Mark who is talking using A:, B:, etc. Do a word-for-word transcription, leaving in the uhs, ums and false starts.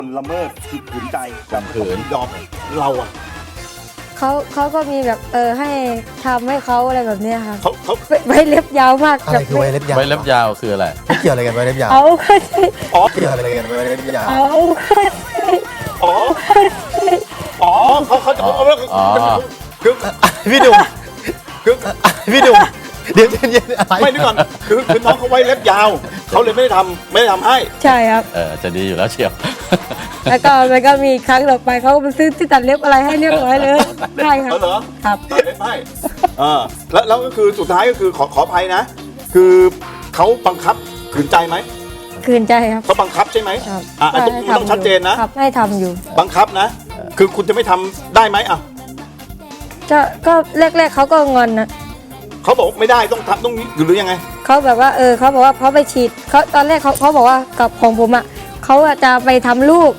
A: ละเมิดผิดขืนใจ
B: ข่มขืน
A: ยอมเราอ่ะ
C: เขาเขาก็มีแบบเออให้ทำให้เขาอะไรแบบเนี้ยครับ
A: เขาเขา
C: ไว้เล็บยาวมาก
D: อะไรคือไวเล็บยาว
B: ไว้เล็บยาวคืออะไร
D: ไม่เกี่ยวอะไรกันไวเล็บยาว
C: เอาก็ใช่
A: อ๋อ
D: เกี่ยวอะไรกันไวเล็บยาว
C: เอาก็ใช่
A: อ๋ออ๋อเขาเขาจะเขาเขา
B: อ๋อ
A: คือ
D: พี่ดุม
A: คือ
D: พี่ดุมเดี๋ยวเย็นๆอะไร
A: ไม่นึกก่อนคือคือน้องเขาไว้เล็บยาวเขาเลยไม่ได้ทำไม่ได้ทำให้
C: ใช่ครับ
B: เออจะดีอยู่แล้วเชียว
C: แล้วก็มันก็มีครั้งต่อไปเขาก็ไปซื้อที่ตัดเล็บอะไรให้เรียบร้อยเลยใช่ครับ
A: เออเหรอ
C: ครับ
A: ตัดเล็บให้เออแล้วแล้วก็คือสุดท้ายก็คือขอขออภัยนะ คือเขาบังคับขืนใจไหม
C: คืนใจครับ
A: เขาบังคับใช่ไหม
C: ครับ
A: อ่ะต้องต้องชัดเจนนะ
C: ครับให้ทำอยู่
A: บังคับนะ คือคุณจะไม่ทำได้ไหมอ่ะ
C: ก็ก็แรกๆเขาก็งอนนะ
A: เขาบอกไม่ได้ต้องทำต้องหรือยังไง
C: เขาแบบว่าเออเขาบอกว่าเขาไปฉีดเขาตอนแรกเขาเขาบอกว่ากับของผมอ่ะเขาอะจะไปทำลูก